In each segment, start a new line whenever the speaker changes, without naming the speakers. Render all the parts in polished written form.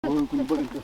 कोणी बघितलं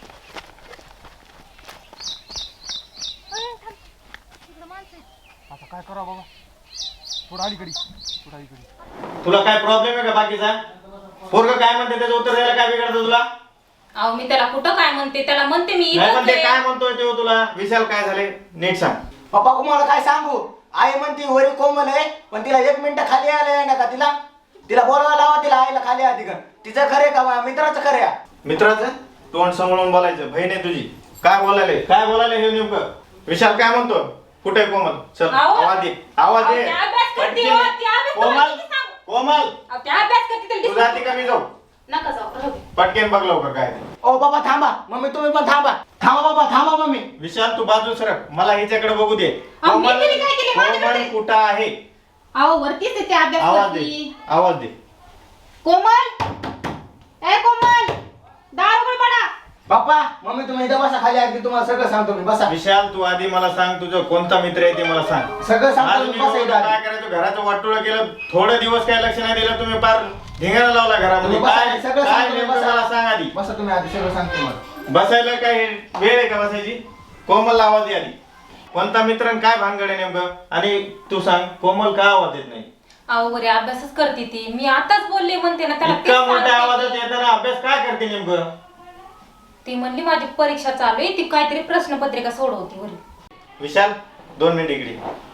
आता काय करा बाबा थोडं अलीकडे
तुला काय प्रॉब्लेम आहे का बाकीचा पोरग काय म्हणते त्याचं उत्तर द्यायला काय बिघडतं तुला
अहो मी त्याला कुठं काय म्हणते त्याला म्हणते मी
नाही म्हणते काय म्हणतोय तो तुला विशाल काय झाले नीट सांग
पप्पा तुम्हाला काय सांगू आई म्हणती वरी कोमल आहे पण तिला 1 मिनिट खाली आले ना का तिला बोलवा लावा तिला आईला खाली आधी का तिचं खरे का मित्राचं खरे
मित्राचं तोंड सांभाळून बोलायचं बहीण आहे तुझी काय बोलायले हे नेमकं विशाल काय म्हणतो कुठे कोमल चल आवाज दे कोमल कोमल तू जाती का मी जाऊ
नका जाऊ
पटकेन बघ लवकर काय ते
ओ बाबा थांबा मम्मी तुम्ही पण थांबा बाबा थांबा मम्मी
विशाल तू बाजू सरक मला हिच्याकडे बघू दे कोमल कुठं आहे
अहो वरतीच आहे ते अभ्यास
आवाज दे
कोमल ए कोमल दार उघड पडा
बाप्पा मम्मी तुम्ही इथं बसा खाली अगदी तुम्हाला सगळं सांगतो मी बसा
विशाल तू आधी मला सांग तुझं कोणता मित्र आहे ते मला सांग
सगळं
आज
सांगतो
मी
मी बसा इथं
काय
आधी.
करायचं घराचं वाटोळं केलं थोडे दिवस काय लक्ष नाही दिलं तुम्ही पार धिंगाणा लावला घरामध्ये
तुम्ही बसा,
काय
सगळं
काय
सांगतो मी,
नेमकं
बसा.
मला सांग आधी
बसा तुम्ही आधी सगळं सांगतो मला
बसायला काय वेळ आहे का बसायची कोमल आवाज दे आधी कोणता मित्र आणि काय भानगड आहे नेमकं आणि तू सांग कोमल का आवाज येत नाही
अहो बरे अभ्यासच करते ती मी आताच बोलले म्हणते ना त्याला
इतका
तेच
मोठ्या
सांगते
आवाजात
की.
येताना अभ्यास काय करते नेमकं
ती म्हणली माझी परीक्षा चालू आहे ती काहीतरी प्रश्नपत्रिका सोडवती बरी
विशाल 2 मिनिट इकडे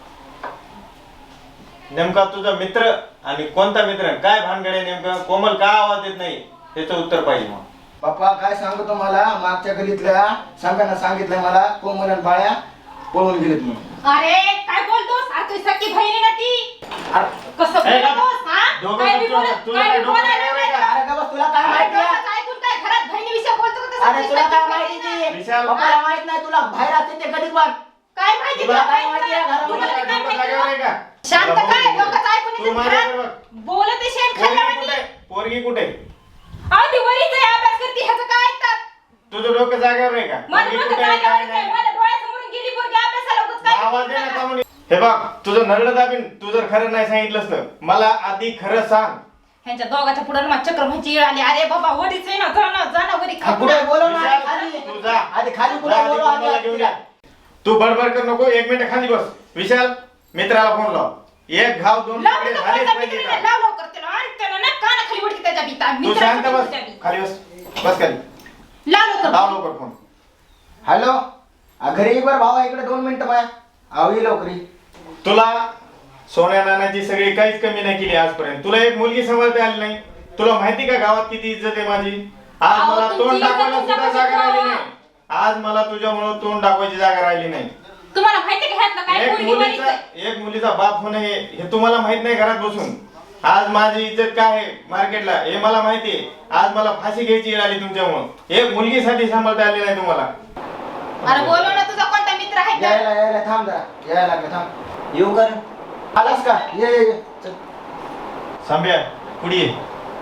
नेमका तुझा मित्र आणि कोणता मित्र काय भानगड आहे नेमकं कोमल का आवाज येत नाही त्याचं उत्तर पाहिजे मग
बाप्पा काय सांगतो मला मागच्या गलीतल्या संघानं सांगितलं मला कोमल आणि बाळ्या पळून गेलेत म्हणून
अरे काय बोलतोस अरे तुझी सख्खी बहिणी ना ती कसं
ए,
बोलतोस हा
दोघं
काय बी
तुला-
बोलत
तुला
काय
काय
बी
डोकं
बोलायला
नाही
नाही
का?
का?
अरे का बस तुला काय
अरे
माहिती आहे?
डोकं ऐकून काय घरात बहिणीविषयी बोलतो का तसं
अरे
तुझी
तुला
सख्खी
काय
बहीण
माहिती
आहे?
विशाल,
पप्पाला माहित नाही तुला बाहेर असते ते कधीच वाट
काय माहिती
तुला
तुला
काय माहिती आहे घरामध्ये?
तुला काय
डोकं
माहिती
जागेवर आहे
तुला?
का?
शांत
तुला
काय
बघू दे.
डोकं ऐकून
तू
येतं
माझ्याकडे
घरात?
बघ.
बोलत आहे शेण
पोरगी
खाल्ल्यावानी.
कुठे पोरगी कुठे
अहो ती वरीच आहे अभ्यास करते ह्याचं काय ऐकतात
तुझं डोकं जागेवर आहे का
माझं
पोरगी
डोकं
कुठे आहे,
जागेवर
काय
नाही.
नाही
माझ्या डोळ्यासमोरून गेली पोरगी अभ्यासाला उगाच काय
आवाज दे ना का म्हणे हे बघ तुझं नरड दाबीन तू जर खरं नाही सांगितलंस तर मला आधी खरं सांग
ह्यांच्या दोघाच्या पुढे मला चक्र व्हायची वेळ आली अरे बाबा वरीच आहे ना जा ना वरी खा
पुढे बोलव ना
विशाल,
आधी खाली
तू जा.
आधी खाली
जा
पुढे
आधी
बोलव
कोमलला
आधी
घेऊन या. तू बडबड कर नको 1 मिनिट खाली बस विशाल मित्राला फोन लाव एक घाव 2
लाव
तुकडे
ना
झालेच
कोणता
पाहिजे
मित्र
का?
नाही, लाव लवकर त्याला आणि त्याला ना कानाखाली वडकी त्याच्या बिता
तू शांत बस खाली बस बस खाली
लाव लवकर
लाव लवकर फोन
हॅलो घरी एक बार भावा इकडे 2 मिनिटं माया आवी लवकरी
तुला सोन्या नानाची सगळी काहीच कमी नाही केली आजपर्यंत तुला एक मुलगी सांभाळता आली नाही तुला माहिती का गावात किती इज्जत आहे माझी आज
अहो,
मला
तुमची
तोंड
इज्जत
दाखवायला सुद्धा
तुमच्या
जागा राहिली
पाशी
नाही आज मला तुझ्यामुळे तोंड दाखवायची जागा राहिली नाही
तुम्हाला माहिती का ह्यातलं काय पोरगी वरीच आहे
एक मुलीचा बाप होणे हे तुम्हाला माहित नाही घरात बसून आज माझी इज्जत काय आहे मार्केटला हे मला माहिती आहे आज मला फाशी घ्यायची वेळ आली तुमच्यामुळे एक मुलगीसाठी सांभाळता आली नाही तुम्हाला
अरे बोलव ना तुझा कोणता मित्र आहे का?
यायला थांब जरा यायला लागलं थांब येऊ कर आलास का ये चल.
सांभ्या पुढे ये.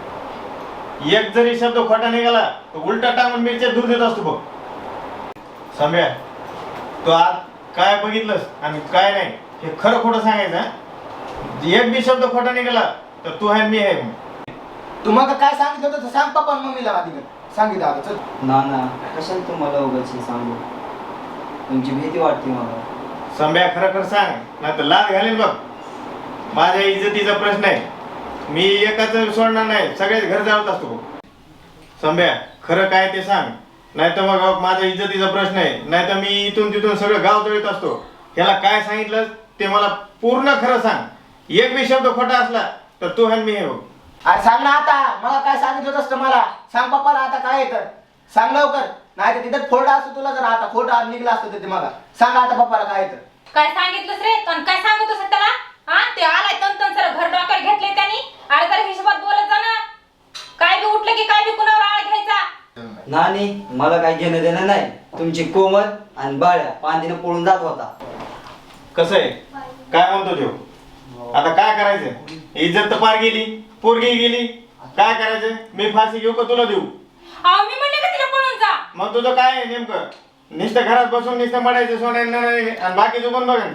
एक जरी शब्द खोटा निघाला तर उलटा टाकून मिरच्या दूर देत असतो बघ सांभ्या तू आज काय बघितलंस आणि काय नाही हे खरं खोटं सांगायचं हं? एक बी शब्द खोटा निघाला तर तू आहे मी आहे मग.
तू मग काय सांगितलं होतं ते सांग पप्पा आणि मम्मीला आधी सांगितलं आता चल
ना ना कशाला तुम्हाला उगाच सांगू तुमची भीती वाटते मला
संभ्या खरं खरं सांग नाही तर लाद घालेल बघ माझ्या इज्जतीचा प्रश्न आहे मी एकाच सोडणार नाही सगळेच घर जाळत असतो बघ संभ्या खरं काय ते सांग नाही तर मग माझ्या इज्जतीचा प्रश्न आहे नाही तर मी इथून तिथून सगळं गाव जळीत असतो ह्याला काय सांगितलं ते मला पूर्ण खरं सांग एक बी शब्द खोटा असला तर तू आहे मी आहे बघ
अरे सांग ना आता मला काय सांगितलं असतं मला सांग पप्पाला आता काय येतं सांग लवकर नाही तर तिथं फोडा असतो तुला जर आता खोटा निघला असतो ते मला सांग आता पप्पाला काय येतं
काय सांगितलंस रे पण काय सांगतोस त्याला हा ते आलाय तन सर घर डोक्यावर घेतले त्यांनी अरे जरा हिशोबात बोलत जा ना काय बी उठलं की काय बी कुणावर आळ घ्यायचा
नानी मला काही घेणं देणं नाही तुमची कोमल आणि बाळ्या पांदीनं पळून जात होता
कसं आहे काय म्हणतो देव आता काय करायचं इज्जत तर पार गेली पोरगी गेली काय करायचं मी फाशी घेऊ का तुला देऊ
अहो मी म्हणले का तिला पळून जा
मग तुझं काय आहे नेमकं नुसतं घरात बसून नुसतं मडायचं सोन्यानं आणि बाकीचं पण बघ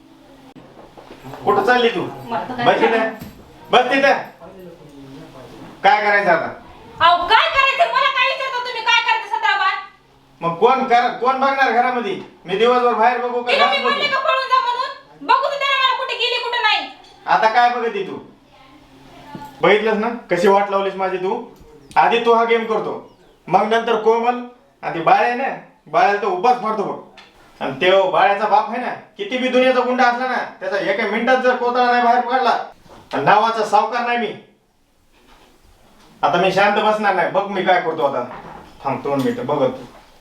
कुठं चालली तू
मला तर काय
बस तिथं बस तिथं काय करायचं आता
अहो काय करायचं मला काय विचारता तुम्ही काय
मग कोण बघणार घरामध्ये? मी दिवसभर बाहेर बघू का
तिला
घरात
मी म्हणले
बघू?
का पळून जा म्हणून? बघू तर त्याला मला कुठे गेली कुठे नाही.
आता काय बघते तू? बघितलंस ना कशी वाट लावलीस माझी तू? आधी तू हा गेम करतो, मग नंतर कोमल आणि ती बाळ आहे ना, बाळाला तो उपास मारतो बघ. आणि ते बाळ्याचा बाप आहे ना, किती बी दुनियाचा गुंडा असला ना, त्याचा एका मिनिटात जर कोतळा नाही बाहेर पडला, आणि नावाचा सावकार नाही मी. आता मी शांत बसणार नाही. बघ मी काय करतो आता. थांब 2 मिनिटं बघत.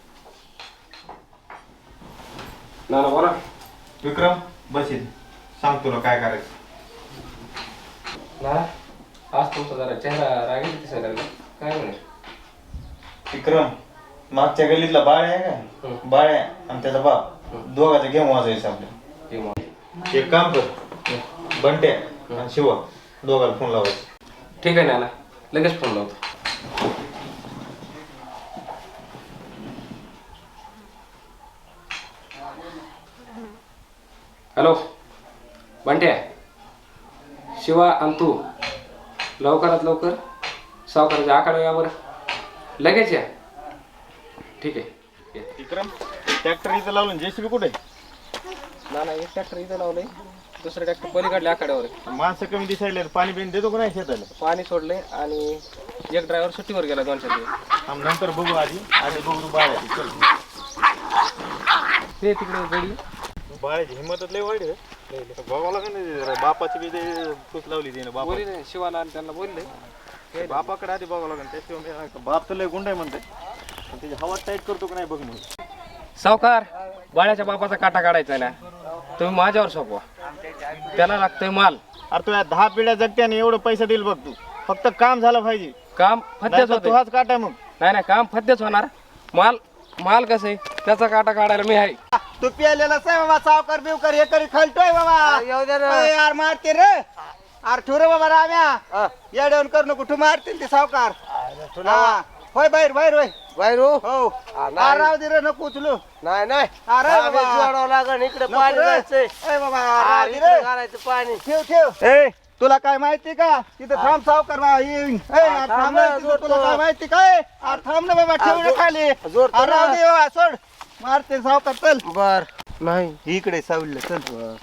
ना बोला.
विक्रम बस इथे. सांग तुला काय करायचं.
ना आज तुमचा जरा चेहरा रागीट दिसायला लागला. काय म्हणे?
विक्रम, मागच्या गल्लीतला बाळ आहे का, बाळ आणि त्याचा बाप दोघांचा गेम वाजायचं आपल्या.
हे मग.
एक काम कर, बंट्या आणि शिवा दोघांना फोन लावायचा.
ठीक आहे ना, लगेच फोन लावतो. हॅलो बंट्या, शिवा आणि तू लवकरात लवकर सावकाराच्या आकडे या बरं. लगेच या. ठीक आहे.
विक्रम, ट्रॅक्टर इथं लावलं, जेसीबी कुठे?
ना एक ट्रॅक्टर इथं लावलंय, दुसरं ट्रॅक्टर पलीकडल्या आखाड्यावर आहे.
माणसं कमी दिसायला, पाणी बिन देतो का नाही शेताला?
पाणी सोडलंय आणि एक ड्रायव्हर सुट्टीवर गेला 2-4 दिवस.
आम्ही नंतर बघू, आधी बघू बाळ्याची. चल,
ते तिकडे गडी.
बाळ्याची हिंमतच लय वाईट आहे. बघावं लागेल ना, जरा बापाची बी फूस लावली तिने. बापा
बोलले नाही, शिवाला आणि त्यांना बोलले.
बापाकडे आधी बघावं लागेल. त्याशिवाय बाप तर लय गुंड आहे म्हणते, पण त्याची हवा टाईट करतो का नाही बघ म्हणून.
सावकार, बाळ्याच्या बापाचा काटा काढायचा ना, तुम्ही माझ्यावर सोपवा. त्याला लागतोय माल.
अरे तू या 10 पिढ्या जगत्याने एवढं पैसा देईल बघ. तू फक्त काम झालं पाहिजे.
काम फद्यच
नाहीतर
होते.
तू हाच काटा मग.
नाही काम फद्यच होणार. माल कसं आहे त्याचा काटा काढायला मी आहे.
तू पिलेला बाबा, सावकार बिवकर हे करी खालतोय बाबा. यार मारते रे, अरे ठुरे बाबा राम्या, येडवून कर नको. तू मारतील ते सावकार. हा. होय बाहेर बाहेर हो. राव दे रे, नको उचलू.
नाही
अरे बाबा,
जोडावं लागण इकडे
नको
पाणी
रे.
जायचंय.
ए बाबा, राव दे रे.
घालायचं पाणी.
ठेव. ए, तुला काय माहिती का तिथं थांब सावकार बा येईन. ए, अरे थांब ना, तिथं तुला काय माहिती काय? अरे थांब ना बाबा, ठेव ना खाली.
जोडतो
अरे राव दे बाबा, सोड. मारते सावकार, चल.
बर नाही
इकडे सावलं, चल.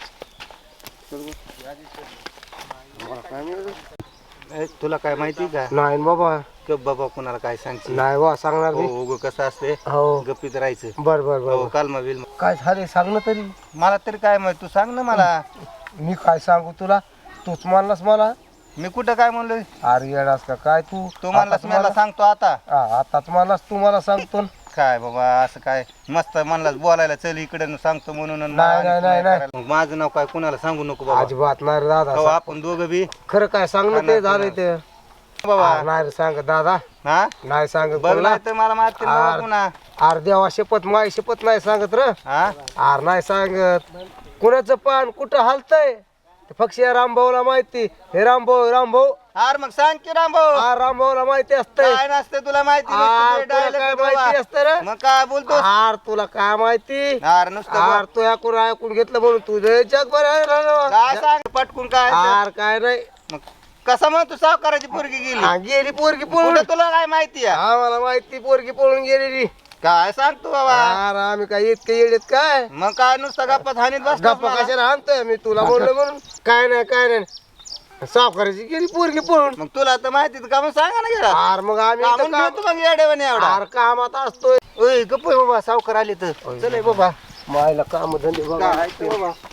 ए, तुला काय माहिती का?
नाही बाबा,
गप बाबा, कुणाला काय सांगशील?
नाही बा सांगणार
हो,
मी.
उगं कसं असते,
हो
गप्पीत राहायचं.
बर बर
हो,
बर.
कालमा बिल.
काय झाले सांग ना तरी.
मला तरी काय माहित, तू सांग ना मला.
मी काय सांगू तुला, तूच मानलास मला.
मी कुठं काय म्हणलोय?
अरे येडास का काय तू.
तू म्हणलास, मला सांगतो आता.
आताच मानलास तू, मला सांगतो.
काय बाबा, असं काय मस्त म्हणलास बोलायला, चल इकडे सांगतो म्हणून. आणि
नाही,
मला
नाही, नाही.
करायला. मग माझं नाव काय कुणाला सांगू नको बाबा.
अजिबात नाही रे
हो,
दादा.
आपण दोघं बी
खरं काय सांग ना, ते झालंय ते.
बाबा.
नाही रे सांग दादा,
हा,
नाही सांगत
बघ
कोणाला.
नाही तर मला मारतील बाबा पुन्हा.
अरे देवा शपथ, माय शपथ नाही सांगत र.
हा,
अरे नाही सांगत. कुणाचं पान कुठं हालतंय ते फक्त या रामभाऊला माहिती. हे रामभाऊ
अरे मग सांग की रामभाऊ.
रामभाऊला माहिती असतंय.
काय नसतं तुला माहिती
अरे
नसतं ते
तुला
dialect
काय
बाबा.
माहिती असतं रे?
मग काय बोलतो?
अरे तुला काय माहिती.
अरे नुसतं बोल.
अरे तू ऐकून घेतलं म्हणून तुझं जग बरं.
काय सांग पटकून काय ते?
अरे काय नाही.
मग कसं म्हणतो सावकाराची पोरगी गेली?
गेली पोरगी पळून.
कुठं तुला काय माहिती आहे?
आम्हाला माहिती पोरगी पळून गेलेली.
काय सांगतो बाबा?
अरे आम्ही काय इतके येडेत काय.
मग काय नुसतं गप्पा हानीत बस.
गप्पा कशाला आणतोय मी तुला बोललो म्हणून. काय नाही सावकाराची गेली पोरगी पळून.
मग तुला तर माहिती का, मग सांगा ना गेला.
अरे मग आम्ही इथं
कामून
काम-
घेतो मग येडेवानी एवढा.
अरे कामात असतोय.
ओय गप्प आहे बाबा, सावकार आले तर. चल हे बाबा.
मायला काम धंदे बघा.
काय ते बाबा.